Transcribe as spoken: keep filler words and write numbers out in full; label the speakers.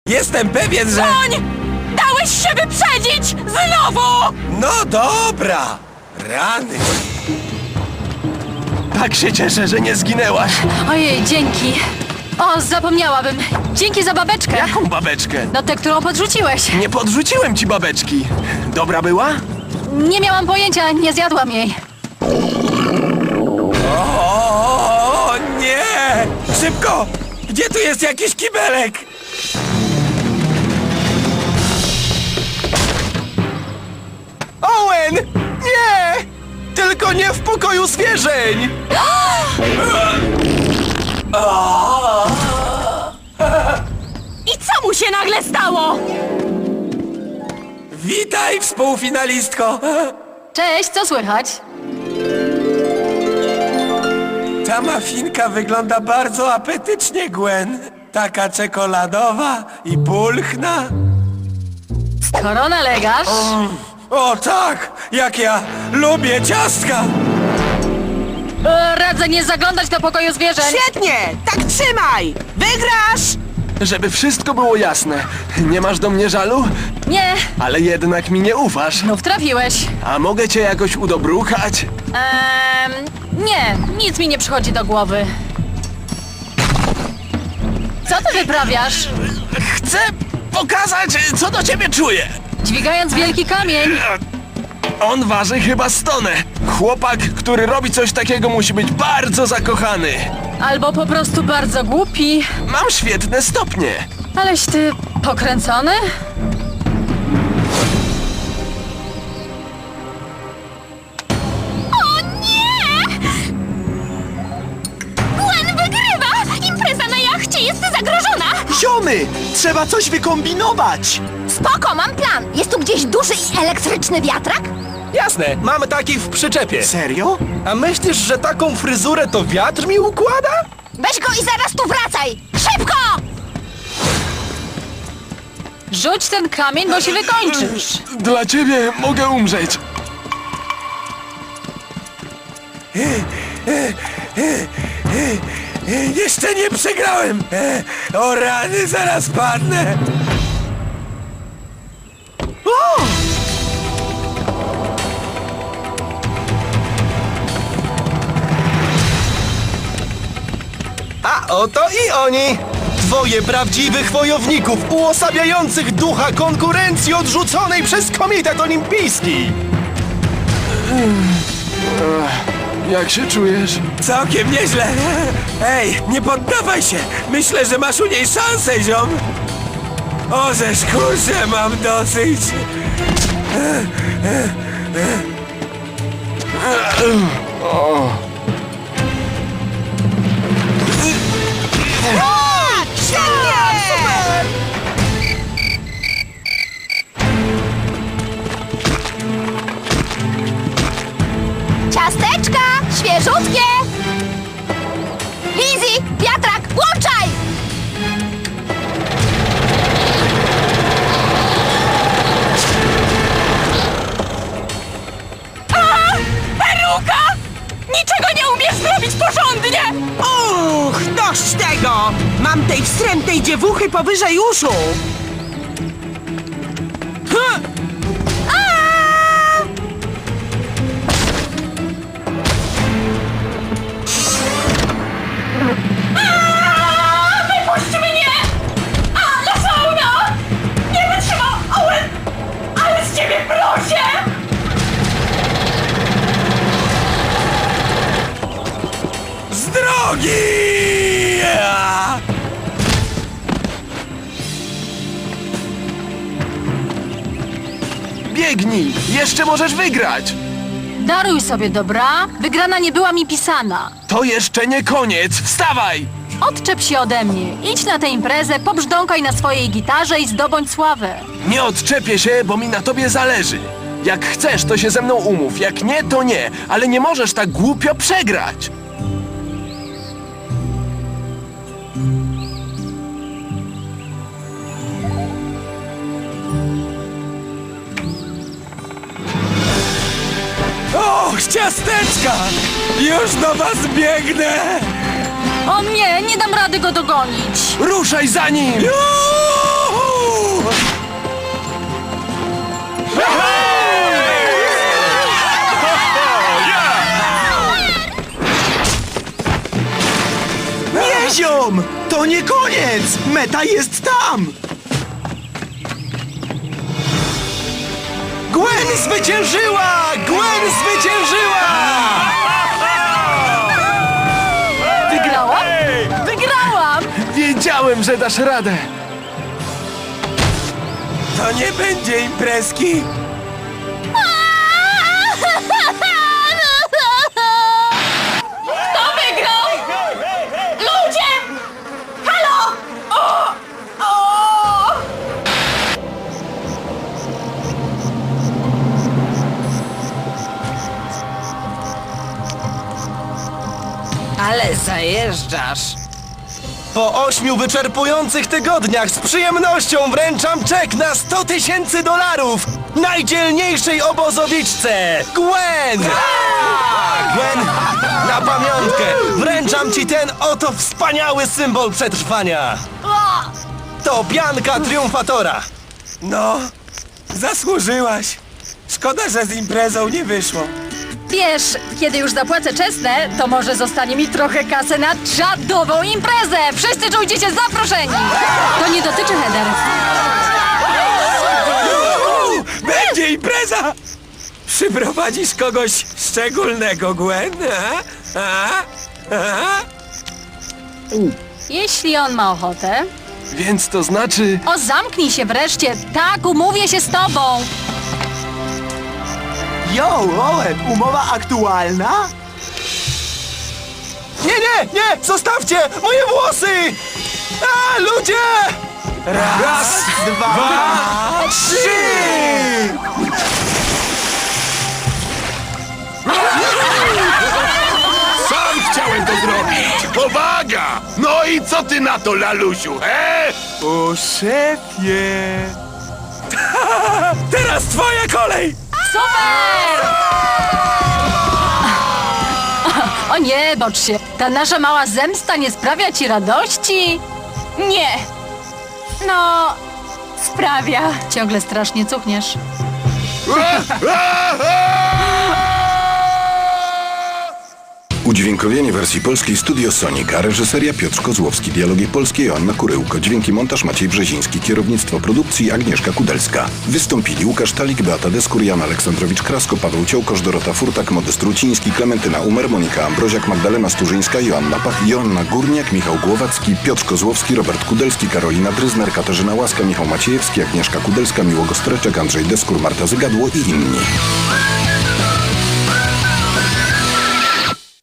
Speaker 1: Jestem pewien, że...
Speaker 2: Koń! Dałeś się wyprzedzić! Znowu!
Speaker 1: No dobra! Rany!
Speaker 3: Tak się cieszę, że nie zginęłaś.
Speaker 2: Ojej, dzięki. O, zapomniałabym. Dzięki za babeczkę.
Speaker 3: Jaką babeczkę?
Speaker 2: No tę, którą podrzuciłeś.
Speaker 3: Nie podrzuciłem ci babeczki. Dobra była?
Speaker 2: Nie miałam pojęcia, nie zjadłam jej.
Speaker 1: O nie! Szybko! Gdzie tu jest jakiś kibelek?
Speaker 3: Owen! Nie! Tylko nie w pokoju zwierzeń!
Speaker 2: I co mu się nagle stało?
Speaker 1: Witaj, współfinalistko!
Speaker 2: Cześć, co słychać?
Speaker 1: Ta mafinka wygląda bardzo apetycznie, Gwen. Taka czekoladowa i pulchna.
Speaker 2: Skoro nalegasz...
Speaker 1: O tak! Jak ja lubię ciastka!
Speaker 2: E, radzę nie zaglądać do pokoju zwierzeń.
Speaker 4: Świetnie! Tak trzymaj! Wygrasz!
Speaker 3: Żeby wszystko było jasne, nie masz do mnie żalu?
Speaker 2: Nie,
Speaker 3: Ale jednak mi nie ufasz.
Speaker 2: znów trafiłeś.
Speaker 3: A mogę cię jakoś udobruchać?
Speaker 2: Ehm, nie, nic mi nie przychodzi do głowy. Co ty wyprawiasz?
Speaker 3: Chcę pokazać, co do ciebie czuję.
Speaker 2: Dźwigając wielki kamień.
Speaker 3: On waży chyba stonę. Chłopak, który robi coś takiego, musi być bardzo zakochany.
Speaker 2: Albo po prostu bardzo głupi.
Speaker 3: Mam świetne stopnie.
Speaker 2: Aleś ty pokręcony?
Speaker 5: O nie! Gwen wygrywa! Impreza na jachcie jest zagrożona!
Speaker 6: Ziomy! Trzeba coś wykombinować!
Speaker 5: Spoko, mam plan! Jest tu gdzieś duży i elektryczny wiatrak?
Speaker 6: Jasne, mamy taki w przyczepie. Serio?
Speaker 3: A myślisz, że taką fryzurę to wiatr mi układa?
Speaker 5: Weź go i zaraz tu wracaj! Szybko!
Speaker 2: Rzuć ten kamień, bo się wykończysz.
Speaker 3: Dla ciebie mogę umrzeć.
Speaker 1: Jeszcze nie przegrałem! O rany, zaraz padnę!
Speaker 6: A oto i oni! Dwoje prawdziwych wojowników uosabiających ducha konkurencji odrzuconej przez Komitet Olimpijski!
Speaker 3: Jak się czujesz?
Speaker 1: Całkiem nieźle! Ej, nie poddawaj się! Myślę, że masz u niej szansę, ziom! O, żeż kurczę, mam dosyć!
Speaker 5: Ciasteczka! Świeżutkie! Easy! Wiatrak! Włączaj!
Speaker 2: Peruka! Niczego nie umiesz zrobić porządnie!
Speaker 4: Uch, dość tego! Mam tej wstrętnej dziewuchy powyżej uszu! Huh.
Speaker 2: Wypuść mnie! Ale fauna! Nie wytrzymał! Owen! Ale z ciebie proszę!
Speaker 1: Z drogi!
Speaker 3: Biegnij! Jeszcze możesz wygrać!
Speaker 2: Daruj sobie, dobra? Wygrana nie była mi pisana.
Speaker 3: To jeszcze nie koniec! Wstawaj!
Speaker 2: Odczep się ode mnie. Idź na tę imprezę, pobrzdąkaj na swojej gitarze i zdobądź sławę.
Speaker 3: Nie odczepię się, bo mi na tobie zależy. Jak chcesz, to się ze mną umów. Jak nie, to nie. Ale nie możesz tak głupio przegrać.
Speaker 1: Och, ciasteczka! Już do was biegnę!
Speaker 2: O nie, nie dam rady go dogonić.
Speaker 3: Ruszaj za nim!
Speaker 1: Juhu!
Speaker 7: To nie koniec! Meta jest tam!
Speaker 6: Gwen zwyciężyła! Gwen zwyciężyła!
Speaker 2: Wygrałam? Wygrałam!
Speaker 3: Wiedziałem, że dasz radę!
Speaker 1: To nie będzie imprezki.
Speaker 2: Kto wygrał? Ludzie! Halo! O! O!
Speaker 4: Ale zajeżdżasz.
Speaker 6: Po ośmiu wyczerpujących tygodniach z przyjemnością wręczam czek na sto tysięcy dolarów najdzielniejszej obozowiczce, Gwen! Gwen, na pamiątkę wręczam ci ten oto wspaniały symbol przetrwania. To pianka triumfatora.
Speaker 1: No, zasłużyłaś. Szkoda, że z imprezą nie wyszło.
Speaker 2: Wiesz, kiedy już zapłacę czesne, to może zostanie mi trochę kasy na czadową imprezę! Wszyscy czujcie się zaproszeni! To nie dotyczy Heather.
Speaker 1: Uuu, będzie impreza! Przyprowadzisz kogoś szczególnego, Gwen? A? A? A?
Speaker 2: Jeśli on ma ochotę.
Speaker 3: Więc to znaczy...
Speaker 2: O, zamknij się wreszcie! Tak, umówię się z tobą!
Speaker 7: Yo, Owen, umowa aktualna?
Speaker 6: Nie, nie, nie! Zostawcie moje włosy! A, ludzie!
Speaker 1: Raz,
Speaker 7: Dwa,
Speaker 1: trzy!
Speaker 8: Sam chciałem to zrobić! Powaga! No i co ty na to, lalusiu, he?
Speaker 7: o szefie!
Speaker 1: Teraz twoja kolej!
Speaker 2: Super! O nie, bocz się. Ta nasza mała zemsta nie sprawia ci radości? Nie. No, sprawia. Ciągle strasznie cuchniesz.
Speaker 9: Udźwiękowienie wersji polskiej Studio Sonika, reżyseria Piotr Kozłowski, dialogi polskie Joanna Kuryłko, dźwięki montaż Maciej Brzeziński, kierownictwo produkcji Agnieszka Kudelska. Wystąpili Łukasz Talik, Beata Deskur, Jan Aleksandrowicz-Krasko, Paweł Ciołkosz, Dorota Furtak, Modest Ruciński, Klementyna Umer, Monika Ambroziak, Magdalena Sturzyńska, Joanna Pach, Joanna Górniak, Michał Głowacki, Piotr Kozłowski, Robert Kudelski, Karolina Dryzner, Katarzyna Łaska, Michał Maciejewski, Agnieszka Kudelska, Miłogo Streczek, Andrzej Deskur, Marta Zygadło i inni.